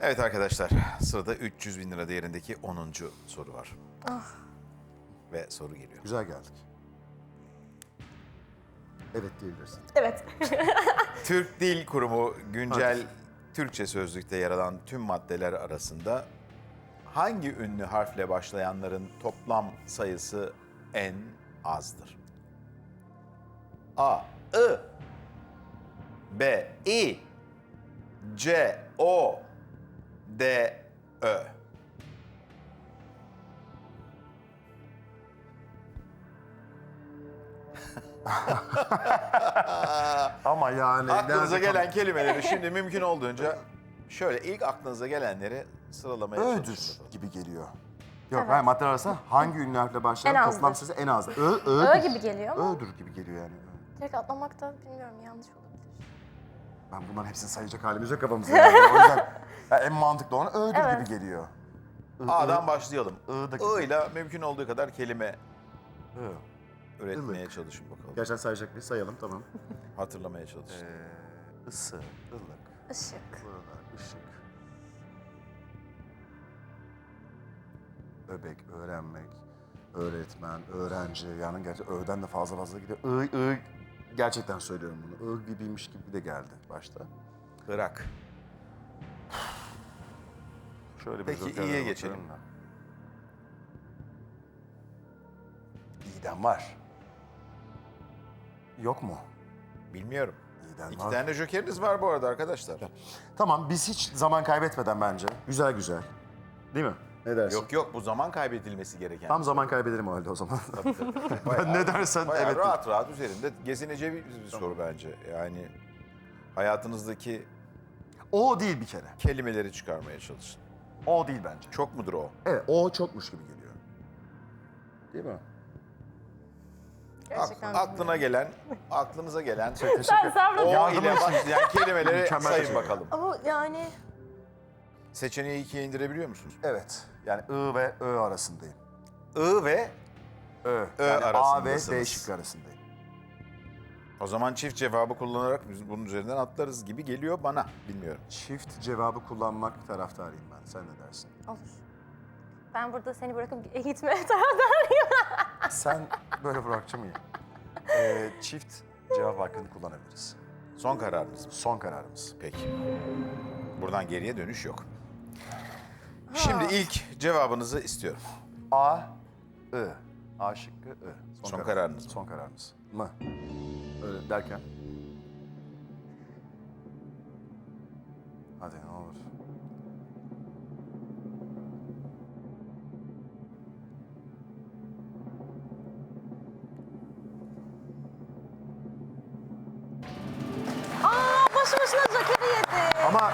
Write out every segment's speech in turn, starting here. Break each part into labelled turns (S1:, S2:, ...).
S1: Evet arkadaşlar, sırada 300 bin lira değerindeki 10. soru var. Ve soru geliyor.
S2: Güzel geldik. Evet diyebilirsin.
S3: Evet.
S1: Türk Dil Kurumu güncel Türkçe sözlükte yer alan tüm maddeler arasında hangi ünlü harfle başlayanların toplam sayısı en azdır? A. I B. İ C. O D. Ö.
S2: Ama yani...
S1: Aklınıza
S2: nerede
S1: gelen kelimeleri şimdi mümkün olduğunca şöyle ilk aklınıza gelenleri sıralamaya
S2: Ö'dür
S1: çalışın.
S2: gibi geliyor. Yok,
S3: Evet.
S2: hayır, maddeler arasında hangi ünlü harfle başlayan
S3: En azdır.
S2: toplam sayısı en az.
S3: Ö gibi geliyor ama
S2: Ö'dür gibi geliyor yani.
S3: direkt atlamak da bilmiyorum yanlış olabilir.
S2: Ben bunların hepsini sayacak halimiz yok kafamızda yani. O yüzden en mantıklı olan Ö'dür
S3: Evet.
S2: gibi geliyor.
S1: A'dan başlayalım.
S2: I'daki-
S1: I ile mümkün olduğu kadar kelime
S2: I.
S1: üretmeye
S2: Ilık.
S1: çalışın bakalım.
S2: Gerçekten sayacak mıyız? Sayalım, tamam.
S1: Hatırlamaya çalışın.
S2: Isı, ılık,
S3: Işık.
S2: ılık, ışık. Öbek, öğrenmek, öğretmen, öğrenci. Yani gerçi Ö'den de fazla gidiyor. I, gerçekten söylüyorum bunu. I gibiymiş gibi de geldi başta.
S1: Irak.
S2: Şöyle bir
S1: Peki,
S2: jokerlere
S1: iyiye
S2: bakalım
S1: geçelim.
S2: da. İyiden var. Yok mu?
S1: Bilmiyorum.
S2: İyiden
S1: İki
S2: var.
S1: tane jokeriniz var bu arada arkadaşlar.
S2: Tamam, biz hiç zaman kaybetmeden bence. Güzel. Değil mi? Ne dersin?
S1: Yok bu zaman kaybedilmesi gereken.
S2: Tam zaman kaybedelim o halde o zaman.
S1: Bayağı-
S2: ne dersen
S1: bayağı
S2: evet.
S1: rahat üzerinde gezineceği bir soru bence. Yani hayatınızdaki
S2: O değil bir kere.
S1: kelimeleri çıkarmaya çalışın.
S2: O değil bence.
S1: Çok mudur o?
S2: Evet, o çokmuş gibi geliyor. Değil mi?
S3: Gerçekten
S1: Aklınıza gelen
S3: Sen sabrın.
S1: o ile başlayan kelimeleri
S2: Mükemmel
S1: sayın
S2: teşekkür
S1: bakalım.
S3: Ama yani
S1: Seçeneği ikiye indirebiliyor musunuz?
S2: Evet. Yani I ve Ö arasındayım.
S1: I ve
S2: Ö.
S1: Ö
S2: Yani A ve
S1: arasındasınız.
S2: B şıkkı arasındayım.
S1: o zaman çift cevabı kullanarak biz bunun üzerinden atlarız gibi geliyor bana. Bilmiyorum.
S2: Çift cevabı kullanmak taraftarıyım ben. Sen ne dersin?
S3: olur. Ben burada seni bırakıp gitmeye taraftarıyım.
S2: Sen böyle bırakacağım iyi. Çift cevap hakkını kullanabiliriz.
S1: Son kararınız mı?
S2: Son kararımız.
S1: Peki. Buradan geriye dönüş yok. Şimdi ilk cevabınızı istiyorum.
S2: A, I. A şıkkı I.
S1: Son kararınız mı?
S2: Son kararımız. Mı? Öyle derken. Hadi ne olur.
S3: Boşu boşuna jokeri yedi.
S2: Ama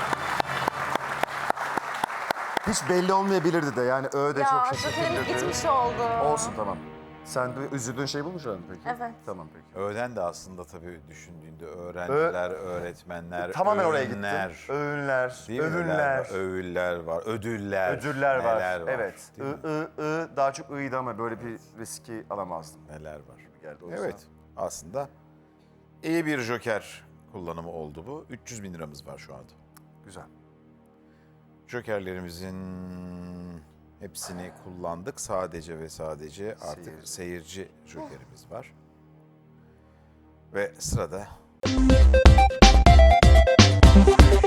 S2: hiç belli olmayabilirdi de yani Ö de çok
S3: Ya
S2: şaşırtabilirdi.
S3: jokerimiz gitmiş oldu.
S2: Olsun, tamam. Sen de üzüldüğün şey bulmuş muydun peki?
S3: Evet.
S2: Tamam peki.
S1: Öğlen de aslında tabii düşündüğünde öğrenciler, öğretmenler,
S2: Tamamen oraya
S1: öğünler,
S2: gittim. Öğünler,
S1: değil mi?
S2: övünler,
S1: Övüller var, ödüller,
S2: ödüller var.
S1: neler
S2: Evet.
S1: değil mi?
S2: Daha çok ıydı ama böyle bir riski alamazdım.
S1: Neler var.
S2: Geldi o yüzden.
S1: Evet, aslında iyi bir joker kullanımı oldu bu. 300 bin liramız var şu anda.
S2: Güzel.
S1: Jokerlerimizin hepsini kullandık. Sadece ve sadece artık seyirci jokerimiz var. Ve sırada